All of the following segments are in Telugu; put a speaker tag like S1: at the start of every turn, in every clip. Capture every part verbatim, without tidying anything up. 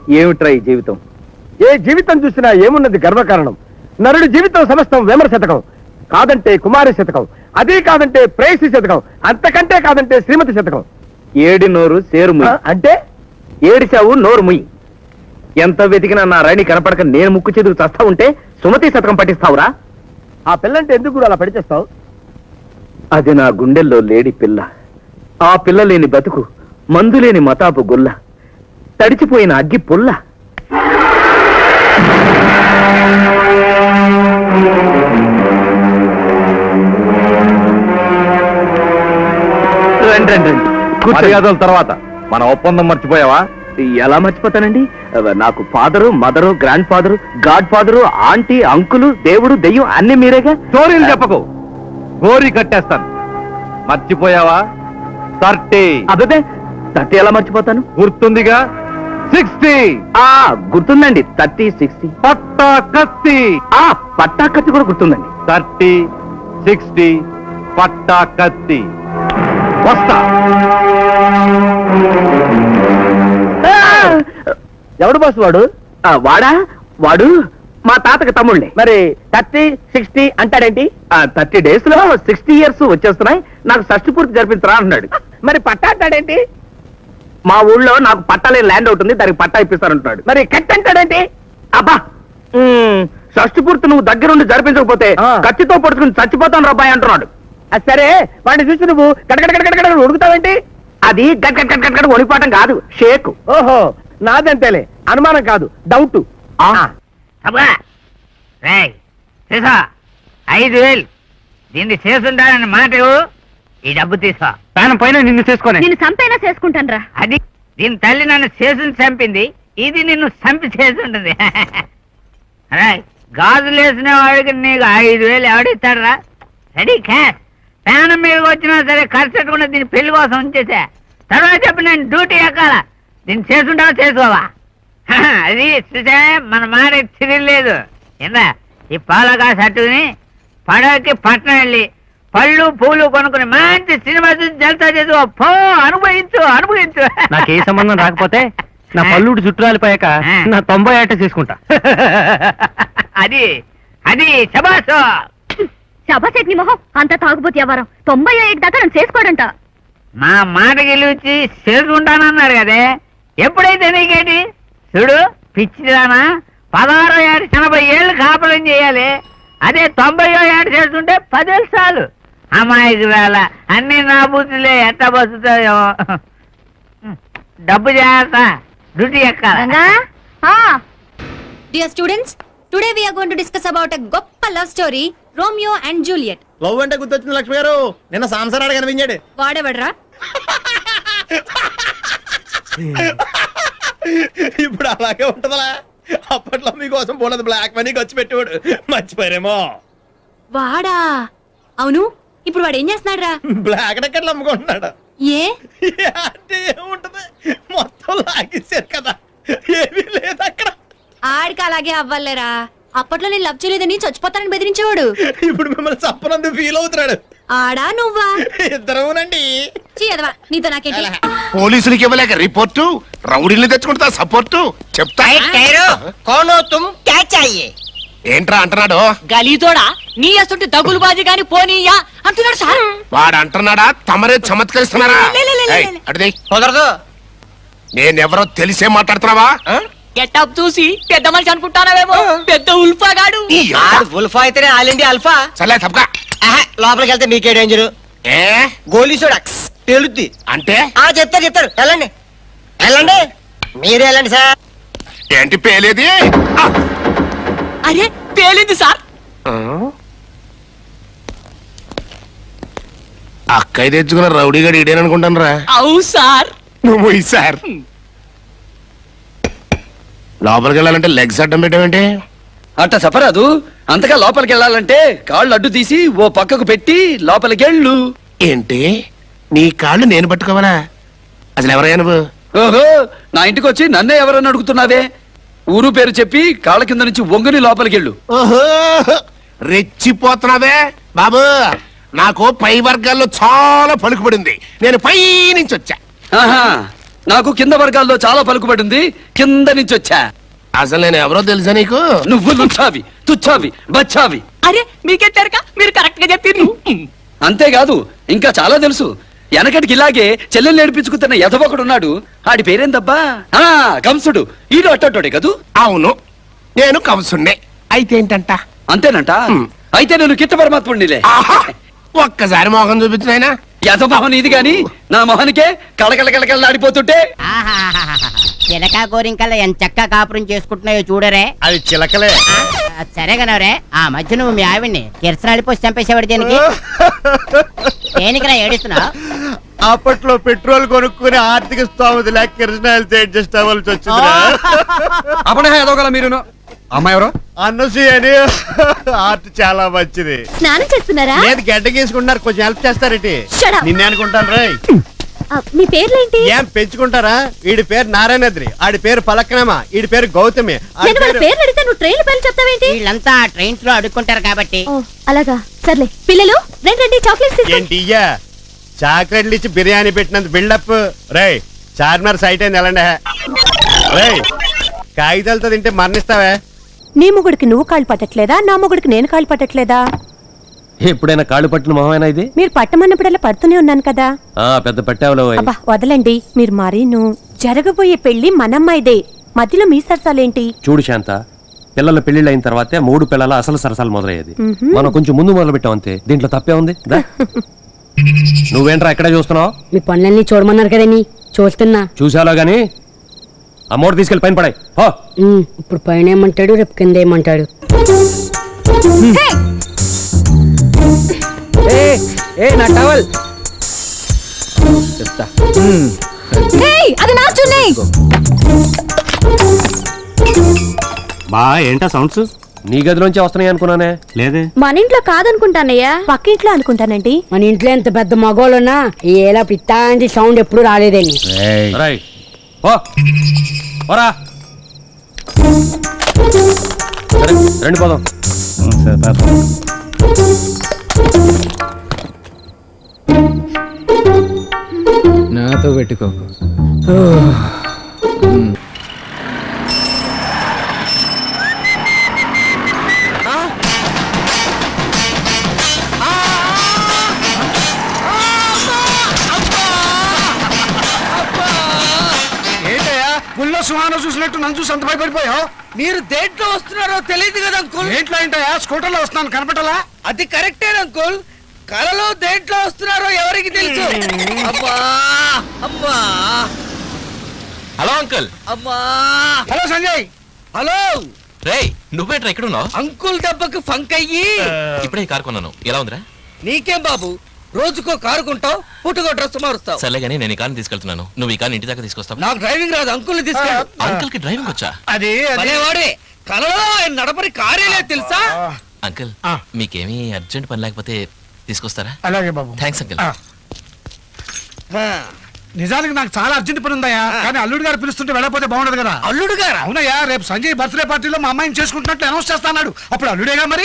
S1: ఏమిట్రా ఈ జీవితం?
S2: ఏ జీవితం చూసినా ఏమున్నది గర్వకారణం. నరుడి జీవితం సమస్తం వేమర శతకం, కాదంటే కుమారి శతకం, అదే కాదంటే ప్రేయసి శతకం, అంతకంటే కాదంటే శ్రీమతి శతకం.
S1: ఏడి నోరు సేరు ముయ్యి.
S2: అంటే
S1: ఏడిచావు నోరు ముయ్యి. ఎంత వెతికినా నా రాణి కనపడక నేను ముక్కు చెదురు చస్తా ఉంటే సుమతి శతకం పఠిస్తావురా?
S2: ఆ పిల్లంటే ఎందుకు కూడా అలా పడిచేస్తావు?
S1: అది నా గుండెల్లో లేడి పిల్ల. ఆ పిల్ల లేని బతుకు మందు లేని మతాపు గుల్ల, తడిచిపోయిన అగ్గి పుల్ల. రండి రండి రండి.
S3: మర్యాదల తర్వాత మన ఒప్పందం మర్చిపోయావా?
S1: ఎలా మర్చిపోతానండి? నాకు father, mother, grandfather, godfather, aunty, uncle, దేవుడు, దెయ్యం అన్ని మీరేగా.
S3: స్టోరీలు చెప్పకు, గోరీ కట్టేస్తాను. మర్చిపోయావా? థర్టీ.
S1: అదే థర్టీ ఎలా మర్చిపోతాను?
S3: గుర్తుందిగా? సిక్స్టీ.
S1: ఆ గుర్తుందండి. Thirty, sixty.
S3: పట్టా కత్తి.
S1: ఆ పట్టా కత్తి కూడా గుర్తుందండి.
S3: థర్టీ, సిక్స్టీ, పట్టా కత్తి. వస్తా.
S2: ఎవడు బాసు వాడు?
S1: ఆ, వాడా? వాడు మా తాతకి తమ్ముళ్ళే.
S2: మరి థర్టీ సిక్స్టీ అంటాడేంటి?
S1: థర్టీ డేస్ లో సిక్స్టీ ఇయర్స్ వచ్చేస్తున్నాయి, నాకు షష్టి పూర్తి జరిపించరా అన్నాడు.
S2: మరి పట్టా అంటాడేంటి?
S1: మా ఊళ్ళో నాకు పట్టాలే ల్యాండ్ అవుతుంది, దానికి పట్టా ఇప్పిస్తారంటున్నాడు.
S2: మరి కట్ అంటాడేంటి?
S1: అబ్బా, ఉమ్, షష్టి పూర్తి నువ్వు దగ్గరుండి జరిపించకపోతే
S2: ఆ.
S1: కత్తితో పడుకుని చచ్చిపోతాను రబ్బాయి అంటున్నాడు.
S2: అది సరే, వాడిని చూసి నువ్వు కడకడ కడకడ ఉడుకుతావేంటి?
S1: అది గట్ గట్ గట్ గట్ గట్ వణిపాటం కాదు, షేక్.
S2: ఓహో, నాదంతేలే, అనుమానం కాదు, డౌట్.
S4: అబ్బా రేయ్ తీసా ఐదు వేలు దీన్ని చేసుంటానని మాట ఇవ్వు. ఈ డబ్బు తీసా.
S1: ప్రాణం పైన నిన్ను చేసుకొని
S5: నేను సంపైనా చేసుకుంటాను రా.
S4: అది దీని తల్లి నన్ను చేసుని చంపింది, ఇది నిన్ను చంపి చేసుంటుంది. రేయ్ గాజులు వేసిన వాడికి నీకు ఐదు వేలు ఎవడిస్తాడరా? Ready cash. ప్రాణం మీదకి వచ్చినా సరే ఖర్చు పెట్టుకున్న దీని పెళ్లి కోసం ఉంచేసా. తర్వాత చెప్పి నేను డ్యూటీ ఎక్కాల. దీన్ని చేసుంటావా చేసుకోవా? అది చూసా మన మాట తిరగలేదు. ఏందా ఈ పాలకా సట్టుకుని పడవకి పట్నం వెళ్ళి పళ్ళు పూలు కొనుక్కుని మంచి సినిమా చూసి జల్తా చేసుకో పో. అనుభవించు అనుభవించు.
S1: నాకు ఏ సంబంధం రాకపోతే నా పల్లుడు చుట్టాలిపోయాక నా తొంభై ఏట చేసుకుంటా.
S4: అది అది శబాసు.
S5: శబాసేట్ నీ మొహం, అంత తాగుబోతు వ్యవహారం. తొంభై ఏడు దాకా నన్ను చేసుకోడంట.
S4: మా మాట గెలిచి చేసుకుంటానన్నారు కదే, ఎప్పుడైతే నీకేంటి? చూడు పిచ్చిదానా, పదహారో ఏడు ఎనభై ఏళ్ళు కాపురం చేయాలి. అదే తొంభైయో ఏడు చేస్తుంటే పదేళ్ళు చాలు. అమ్మాయికి వేళ అన్ని నా బుద్ధులే ఎట్ట బతుకుతాయో. డబ్బు చేస్తా, డ్యూటీ ఎక్కాలి.
S5: Dear students, today we are going to discuss about a గొప్ప love story, Romeo and Juliet.
S6: Love అంటే గుర్తొచ్చింది లక్ష్మి గారు, నిన్న సాంసారాడు కనిపించాడు.
S5: వాడేవడ్రా?
S6: ఇప్పుడు అలాగే ఉంటదా? అప్పట్లో మీకోసం పోలేదు బ్లాక్ మనీ ఖర్చు పెట్టేవాడు, మర్చిపోయారేమో.
S5: వాడా? అవును, ఇప్పుడు వాడు ఏం చేస్తున్నాడు రా?
S6: బ్లాక్ టికెట్లు అమ్ముకుంటున్నాడు.
S5: ఏ
S6: అంటే ఏముంటది, మొత్తం లాగేశారు కదా, ఏమీ లేదు అక్కడ.
S5: ఆడికి అలాగే అవ్వాలేరా. అప్పట్లో నేను లవ్ చేయలేదని చచ్చిపోతానని బెదిరించేవాడు.
S6: ఇప్పుడు మిమ్మల్ని చప్పనందుకు ఫీల్ అవుతున్నాడు.
S5: ఆడా నువ్వా?
S6: ఇద్దరునండి.
S5: చీయదవా, నీతో నాకేంటి?
S7: పోలీసులకి ఇవ్వలేక రిపోర్టు, రౌడీని తెచ్చుకుంటా సపోర్టు చెప్తా. ఏంట్రా అంటున్నాడు?
S8: గలీతోడా నీ అసలు దగులు బాజీ గాని పోనీయా అంటున్నాడు సార్.
S7: వాడు అంటున్నాడా? తమరే చమత్కరిస్తున్నారా? అడిది
S6: కుదరదు.
S7: నేనెవరో తెలిసే మాట్లాడుతున్నావా?
S8: గెటప్ చూసి పెద్ద మనిషి అనుకుంటానావేమో, పెద్ద ఉల్ఫా గాడు.
S6: ఉల్ఫా అయితేనే ఆలిండి అల్ఫా.
S7: సర్లే తప్పక.
S6: లోపలికి వెళ్తే మీకే డేంజర్.
S7: ఏ
S6: గోలీసోడా పేలుద్ది
S7: అంటే?
S6: ఆ చెప్తారు చెప్తారు, వెళ్ళండి వెళ్ళండి, మీరే వెళ్ళండి సార్.
S7: ఏంటి పేలేది?
S8: అరే పేలింది సార్.
S7: అక్కయ్య తెచ్చుకున్న రౌడీగాడు ఇడేననుకుంటాను రా.
S8: అవు సార్.
S7: నువ్వు సార్ లోపలికి వెళ్ళాలంటే లెగ్స్ అడ్డం పెట్టావంటే?
S9: అట్ట చెప్పరాదు. అంతగా లోపలికి వెళ్ళాలంటే కాళ్ళు అడ్డు తీసి ఓ పక్కకు పెట్టి లోపలికి వెళ్ళు.
S7: ఏంటి నీ కాళ్ళు నేను పట్టుకోవాలా? అసలు ఎవరయ్యా నువ్వు?
S9: ఓహో, నా ఇంటికి వచ్చి నన్నే ఎవరని అడుగుతున్నావే? ఊరు పేరు చెప్పి కాళ్ళ కింద నుంచి వంగుని లోపలికి వెళ్ళు.
S7: ఓహో, రెచ్చిపోతున్నావే బాబు. నాకు పై వర్గాల్లో చాలా పలుకుబడింది, నేను పై నుంచి వచ్చా.
S9: ఆహా, నాకు కింద వర్గాల్లో చాలా పలుకుబడి ఉంది, కింద నుంచి వచ్చా.
S7: అసలు నేను ఎవరో తెలుసా నీకు?
S9: నువ్వు లుచ్చావి, తుచ్చావి, బచ్చావి.
S8: అరే మీకెట్టారుక మీరు కరెక్ట్ గా చెప్పారు.
S9: అంతేకాదు ఇంకా చాలా తెలుసు. వెనకటికి ఇలాగే చెల్లెలు నేర్పించుకుతున్న ఎదవొకడున్నాడు. ఆడి పేరేందబ్బా? ఆ కంసుడు. ఈడు అట్టోడే కదూ?
S7: అవును, నేను కంసుండే. అయితే ఏంటంట?
S9: అంతేనంట. అయితే నేను కిట్ట పరమాత్ముడినిలే.
S7: ఆహా! ఒక్కసారి మోహన్ చూపించినాయనా.
S9: యథమోహన్ ఇది గాని నా మొహనికే కళకళ కళకళలాడిపోతుంటే.
S10: చిలక గోరింకల్లా ఎంత చక్కగా కాపురం చేసుకుంటున్నాయో చూడరే.
S2: అది చిలకలే.
S10: ఆ, సరే కనవరే. ఆ మధ్య నువ్వు మీ ఆవిడ్ని కిరసనాడిపోసి చంపేసేవాడు దేనికి? దేనికిరా ఏడుస్తున్నావు?
S2: అప్పట్లో పెట్రోల్ కొనుక్కుని ఆర్థిక స్థోమత లేక కిరసనాయలు అడ్జస్ట్ అవ్వాల్సి వచ్చింది.
S9: అప్పుడే ఎదోగల మీరును. అమ్మాయి ఎవరు?
S2: అన్నసూయ అని. ఆర్ట్ చాలా మంచిది.
S5: స్నానం చేస్తున్నారా?
S2: లేదు, గడ్డ గీసుకుంటున్నారు, కొంచెం హెల్ప్ చేస్తారేటి?
S5: Shut up.
S2: నిన్నే అనుకుంటాను రే.
S5: ఆ, మీ పేర్లేంటి?
S2: ఏం పెంచుకుంటారా? వీడి పేరు నారాయణద్రి, ఆడి పేరు పలక్నమ, వీడి పేరు గౌతమి. ఆడి
S5: నేను వాళ్ళ
S2: పేరు-
S5: పేర్లు అడిగితే నువ్వు ట్రైన్ పేర్లు చెప్తావేంటి?
S10: వీళ్ళంతా ట్రైన్స్ లో అడుక్కుంటారు కాబట్టి.
S5: ఓ, అలాగా. సర్లే పిల్లలు రండి రండి, చాక్లెట్స్ తీసుకోండి.
S2: ఏంటి ఇయ్యా? చాక్లెట్లు ఇచ్చి బిర్యానీ పెట్టినంత బిల్డప్. రేయ్, చార్మినార్ సైట్ అయింది ఎలాండే. రేయ్, కాగితాలతో తింటే మరణిస్తావే.
S11: నీ మొగుడికి నువ్వు కాళ్ళు పట్టట్లేదా? నా మొగుడికి నేను కాళ్ళు పట్టట్లేదా?
S3: ఎప్పుడైనా కాళ్ళు పట్టిన మొహమేనా ఇది?
S11: మీరు పట్టమన్నప్పుడల్లా పడుతూనే ఉన్నాను కదా.
S3: ఆ పెద్ద పెట్టావులో.
S11: అబ్బా వదలండి, మీరు మరీను. జరగబోయే పెళ్లి మనమ్మాయిదే, మధ్యలో మీ సరసాలేంటి?
S3: చూడు శాంత, పిల్లల పెళ్లిళ్ళు అయిన తర్వాతే మూడు పిల్లల అసలు సరసాలు మొదలయ్యేది.
S11: మ్హూ.
S3: మనం కొంచెం ముందు మొదలు పెట్టాం అంతే. దీంట్లో తప్పే ఉంది. దా. నువ్వేంట్రా ఎక్కడే చూస్తున్నావు?
S8: మీ పనులన్నీ చూడమన్నారు కదండి, చూస్తున్నా.
S3: చూసాలో గాని అమ్మోడు తీసుకెళ్లి పైన పడాయి.
S8: ఇప్పుడు పైన ఏమంటాడు, రేపు కింద ఏమంటాడు.
S9: నా టవల్ చెప్తా.
S5: అది నా చున్నీ.
S3: బా ఏంటా సౌండ్స్? నీ గదిలోంచి వస్తున్నాయి అనుకున్నానే. లేదే.
S5: మన ఇంట్లో కాదనుకుంటానయ్యా,
S11: పక్కింట్లో అనుకుంటానండి.
S8: మన ఇంట్లో ఎంత పెద్ద మగోళ్ళున్నా ఏలా పిత్తాంటి సౌండ్ ఎప్పుడు రాలేదండి.
S3: రైట్. ఓ ఓరా. సరే రండి పోదాం.
S9: నాతో పెట్టుకోకు.
S2: ఏంటయ్యా, గుళ్ళో సుహానం చూసినట్టు నన్ను చూసి అంత భయపడిపోయావు?
S8: మీరు దేంట్లో వస్తున్నారో తెలియదు కదా అంకుల్.
S2: ఏంట్లో ఏంటయ్యా, స్కూటర్ లో వస్తున్నాను కనపడలా?
S8: అది కరెక్టే అంకుల్. కలలో దేంట్లో వస్తున్నారో ఎవరికి తెలుసు. అమ్మా అమ్మా
S6: హలో అంకుల్.
S8: అమ్మా.
S2: హలో సంజయ్.
S8: హలో
S6: రేయ్, నువ్వేట్రా ఇక్కడ ఉన్నావు?
S8: అంకుల్ దెబ్బకు ఫంక్ అయ్యి
S6: ఇప్పుడే కారు కొన్నాను. ఎలా ఉందిరా?
S8: నీకేం బాబు, రోజుకో కారు కొంటావు, పుట్టుకో డ్రెస్ మారుస్తావు.
S6: సర్లే గానీ నేను ఈ కార్ని తీసుకెళ్తున్నాను. నువ్వు ఈ కార్ని ఇంటి దాకా తీసుకొస్తావు.
S8: నాకు డ్రైవింగ్ రాదు, అంకుల్ ని తీసుకెళ్ళు.
S6: అంకుల్ కి డ్రైవింగ్ వచ్చా?
S2: అది
S8: పనేవాడే, కలలో ఆయన నడపని కారేలే తెలుసా.
S6: అంకుల్ మీకేమీ అర్జెంట్ పని లేకపోతే తీసుకొస్తారా?
S2: అలాగే బాబు.
S6: Thanks uncle.
S2: నిజానికి నాకు చాలా అర్జెంట్ పని ఉందయ్యా, కానీ అల్లుడు గారు పిలుస్తుంటే వెళ్ళకపోతే బాగుండదు కదా.
S8: అల్లుడు గారా?
S2: అవునయ్యా, రేపు సంజయ్ బర్త్డే పార్టీలో మా అమ్మాయిని చేసుకుంటున్నట్లు అనౌన్స్ చేస్తాడు. అప్పుడు అల్లుడేగా మరి.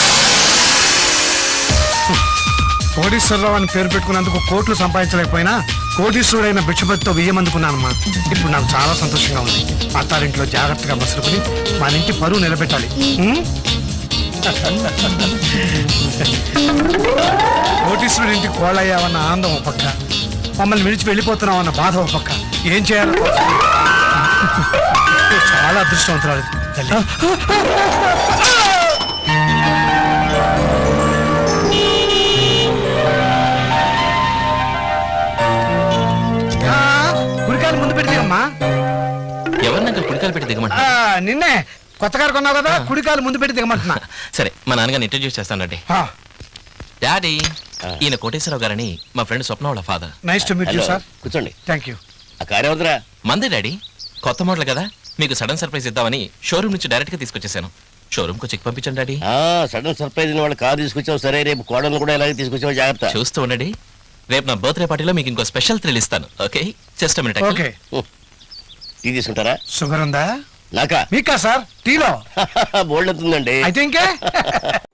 S2: కోటీశ్వరరావు అని పేరు పెట్టుకున్నందుకు కోట్లు సంపాదించలేకపోయినా కోటీశ్వరుడైన భిక్షపతితో బియ్యం అందుకున్నానమ్మా. ఇప్పుడు నాకు చాలా సంతోషంగా ఉంది. అత్తారింట్లో జాగ్రత్తగా మసులుకుని మన ఇంటి పరువు నిలబెట్టాలి. ఉం? కోటీశ్వరుడి ఇంటికి కోళ్ళయ్యావన్న ఆనందం ఒక పక్క, మమ్మల్ని విడిచి వెళ్ళిపోతున్నామన్న బాధ ఒక పక్క. ఏం చేయాలో తోచలేదు. చాలా అదృష్టవంతురాలు తల్లి. గురికాయలు ముందు పెడితేమ్మా.
S6: ఎవరిని అంకుల్ కుడికాలు పెట్టి దిగమంటా?
S2: నిన్నే కొత్త కారు కొన్నావు కదా, కుడికాయలు ముందు పెట్టి దిగమంటున్నా.
S6: సరే మా నాన్నగారిని ఇంట్రడ్యూస్ చేస్తానండి. డాడీ, ఈయన కోటేశ్వరరావు గారని మా ఫ్రెండ్ స్వప్న వాళ్ళ father.
S2: Nice to meet you sir.
S7: కూర్చోండి.
S2: Thank you.
S7: ఆ కారు ఎవరిదిరా?
S6: మందే డాడీ, కొత్త మోడల్ కదా, మీకు సడన్ సర్ప్రైజ్ ఇద్దామని షోరూమ్ నుంచి డైరెక్ట్ గా తీసుకొచ్చేసాను. షోరూమ్ కు చెక్ పంపించండి డాడీ.
S7: సడన్ సర్ప్రైజ్ వాళ్ళు కారు తీసుకొచ్చావు. సరే, రేపు కోడలు కూడా ఇలాగే తీసుకొచ్చావు, జాగ్రత్త.
S6: చూస్తూ ఉండండి, రేపు నా బర్త్డే పార్టీలో మీకు ఇంకో స్పెషల్ థ్రిల్ ఇస్తాను. Okay, just minute.
S2: Okay.
S7: Tea తీసుకుంటారా?
S2: షుగర్ ఉందా?
S7: నాకా?
S2: మీకా సార్? టీలో
S7: బోల్డ్ అవుతుందండి.
S2: అయితే ఇంకే